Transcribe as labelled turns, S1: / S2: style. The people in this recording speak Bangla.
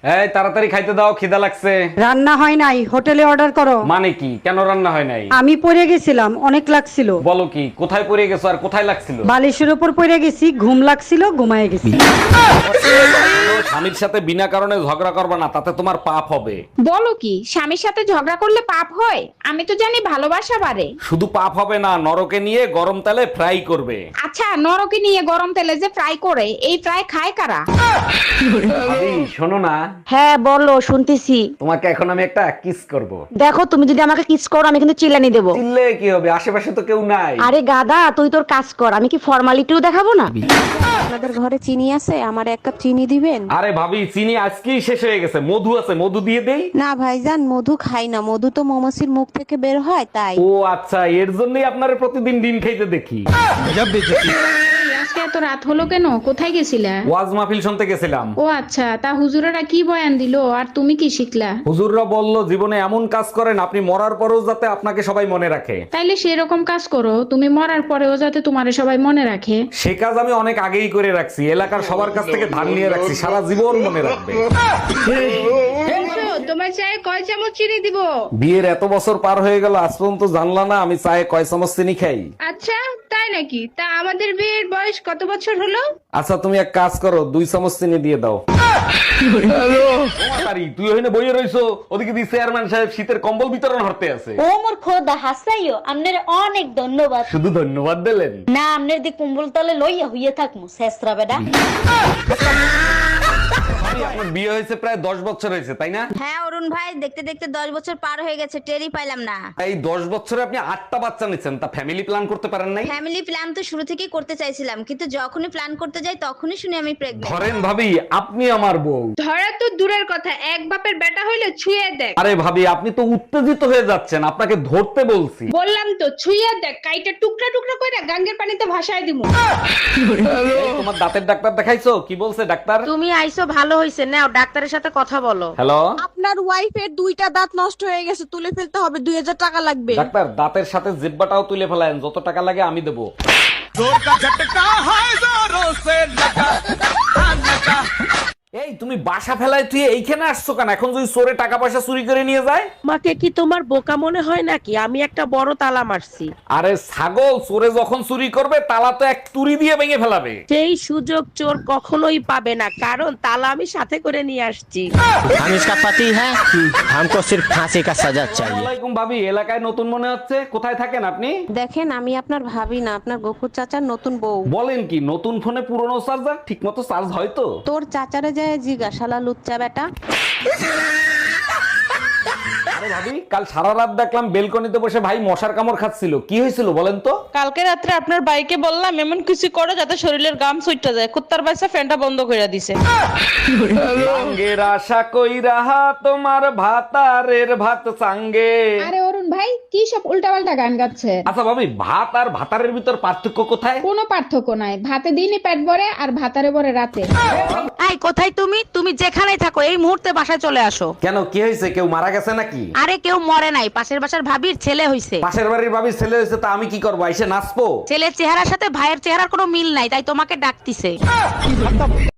S1: এই তাড়াতাড়ি খাইতে দাও, খিদা লাগছে।
S2: রান্না হয় নাই, হোটেলে অর্ডার করো।
S1: মানে কি? কেন রান্না হয় নাই?
S2: আমি পড়ে গেছিলাম, অনেক লাগছিল।
S1: বলো কি? কোথায় পড়ে গেছো আর কোথায় লাগছিল?
S2: বালিশের উপর পড়ে গেছি, ঘুম লাগছিল, ঘুমায় গেছি।
S1: স্বামীর সাথে বিনা কারণে ঝগড়া করবে না, তাতে তোমার পাপ হবে।
S3: বলো কি? স্বামীর সাথে ঝগড়া করলে পাপ হয়? আমি তো জানি ভালোবাসা বাড়ে।
S1: শুধু পাপ হবে না, নরকে নিয়ে গরম তেলে ফ্রাই করবে।
S3: আচ্ছা, নরকে নিয়ে গরম তেলে যে ফ্রাই করে, এই ফ্রাই খায় কারা?
S1: ভাবি, শোনো না,
S4: হ্যাঁ বলো, শুনতেছি।
S1: তোমাকে এখন আমি একটা কিস করব।
S4: দেখো, তুমি যদি আমাকে কিস করো আমি কিন্তু চিল্লানি দেবো।
S1: চিল্লে কি হবে? আশেপাশে তো কেউ নাই।
S4: আরে গাদা, তুই তোর কাজ কর, আমি কি ফর্মালিটিও দেখাবো না? আপনাদের ঘরে চিনি আছে? আমার এক কাপ চিনি দিবেন?
S1: আরে ভাবি, চিনি আজকেই শেষ হয়ে গেছে। মধু আছে, মধু দিয়ে দেই।
S4: না ভাইজান, মধু খাই না, মধু তো মৌমাছির মুখ থেকে বের হয় তাই।
S1: ও আচ্ছা, এর জন্যই আপনারে প্রতিদিন ডিম খাইতে দেখি।
S3: আজকে এত রাত হলো কেন? কোথায় গেছিলা?
S1: ওয়াজ মাহফিল শুনতে গেছিলাম।
S3: ও আচ্ছা, তা হুজুরেরা কি বয়ান দিলো আর তুমি কি শিখলা?
S1: হুজুররা বলল, জীবনে এমন কাজ করেন আপনি মরার পরেও যাতে আপনাকে সবাই মনে রাখে।
S3: তাইলে সেরকম কাজ করো, তুমি মরার পরেও যাতে তোমারে সবাই মনে রাখে।
S1: সে কাজ আমি অনেক আগেই করে রাখছি। এলাকার সবার কাছ থেকে ধার নিয়ে রাখছি, সারা জীবন মনে রাখবে।
S3: তোমার চায়ে কয় চামচ চিনি দিব?
S1: বিয়ের এত বছর পার হয়ে গেল, আজ পর্যন্ত জানলা না আমি চায়ে কয় চামচ চিনি খাই।
S3: আচ্ছা, তাই নাকি? তা আমাদের বিয়ের বয়স কত বছর হলো?
S1: আচ্ছা, তুমি এক কাজ করো, 2 চামচ চিনি দিয়ে দাও। আরে, তুই ওখানে বইয়ে রইছো, ওদিকে দি চেয়ারম্যান সাহেব শীতের কম্বল বিতরণ হতে আছে।
S5: ও মোর খোদা হাসাইও, আপনার অনেক ধন্যবাদ।
S1: শুধু ধন্যবাদ দিলেন?
S5: না, আপনার দি কুম্বল তলে লইয়া হইয়া থাকমু শেষরা বেডা।
S1: আপনার বিয়ে হয়েছে প্রায় 10 বছর হয়েছে, তাই না?
S6: হ্যাঁ অরুণ ভাই, দেখতে দেখতে 10 বছর পার হয়ে গেছে, টেরই পাইলাম না।
S1: এই 10 বছরে আপনি 8টা বাচ্চা নিচ্ছেন, তা ফ্যামিলি প্ল্যান করতে পারেন নাই?
S6: ফ্যামিলি প্ল্যান তো শুরু থেকেই করতে চাইছিলাম, কিন্তু যখনই প্ল্যান করতে যাই তখনই শুনি আমি প্রেগন্যান্ট।
S1: ধরেন ভাবি, আপনি আমার বউ।
S3: ধরা তো দূরের কথা, এক বাপের বেটা হইলে ছুঁয়ে দেখ।
S1: আরে ভাবি, আপনি তো উত্তেজিত হয়ে যাচ্ছেন, আপনাকে ধরতে বলছি।
S3: বললাম তো ছুঁয়ে দেখ, কাইটা টুকরা টুকরা করে গাঙ্গের পানিতে ভাসায় দিমু।
S1: এই, তোমার দাঁতের ডাক্তার দেখাইছো? কি বলছে ডাক্তার?
S4: তুমি আইছো ভালো হইছে, নাও ডাক্তারের সাথে কথা বলো।
S1: হ্যালো
S7: আপনার ওয়াইফের 2টা দাঁত নষ্ট হয়ে গেছে, তুলে ফেলতে হবে, 2000 টাকা লাগবে।
S1: ডাক্তার, দাঁতের সাথে জিব্বাটাও তুলে ফেলায়েন, যত টাকা লাগে আমি দেবো। এই, তুমি বাসা ফেলায় তুই এইখানে আসছো কেন? এখন যদি চোরে টাকা পয়সা চুরি করে নিয়ে যায়?
S4: মাকে কি তোমার বোকা মনে হয় নাকি? আমি একটা বড় তালা মারছি।
S1: আরে ছাগল, চোরে যখন চুরি করবে তালা তো এক তুড়ি দিয়ে ভেঙে ফেলাবে।
S4: সেই সুযোগ চোর কখনোই পাবে না, কারণ তালা আমি সাথে করে নিয়ে আসছি।
S8: हम इसका पति है, हमको सिर्फ फांसी का सजा चाहिए।
S1: ওয়ালাইকুম ভাবি, এলাকায় নতুন মনে হচ্ছে। কোথায় থাকেন আপনি?
S4: দেখেন, আমি আপনার ভাবি না, আপনার গফুর চাচার নতুন বউ।
S1: বলেন কি? নতুন ফোনে পুরনো চার্জার ঠিক মতো চার্জ হয় তো?
S4: তোর চাচারে যায় জিজ্ঞাসালা লুচ্চা বেটা।
S1: আরে ভাবি, কাল সারা রাত দেখলাম বেলকনিতে বসে ভাই মশার কামড় খাচ্ছিল। কি হয়েছিল বলেন তো?
S9: কালকে রাত্রে আপনার বাইকে বললাম এমন কিছু করো যাতে শরীরের গাম সুইটটা যায়, কুত্তার বাইসা ফ্যানটা বন্ধ করে দিছে।
S1: লাঙ্গের আশা কইরা তোমার ভাতারের ভাত সাঙ্গে।
S3: আরে অরুণ ভাই, কি সব উল্টাপাল্টা গান গাচ্ছে?
S1: আচ্ছা ভাবি, ভাত আর ভাতারের ভিতর পার্থক্য কোথায়?
S3: কোনো পার্থক্য নাই, ভাতে দিনই পেট ভরে আর ভাতারে ভরে রাতে।
S4: এই কোথায় তুমি? তুমি যেখানেই থাকো এই মুহূর্তে বাসায় চলে আসো।
S1: কেন, কি হয়েছে? কেউ মারা গেছে নাকি?
S4: আরে কেউ মরে নাই, পাশের বাসার ভাবির ছেলে হইছে।
S1: পাশের বাড়ির ভাবির ছেলে হয়েছে, তা আমি কি করবো? এসে নাচবো?
S4: ছেলের চেহারার সাথে ভাইয়ের চেহারার কোনো মিল নাই, তাই তোমাকে ডাকতিছে।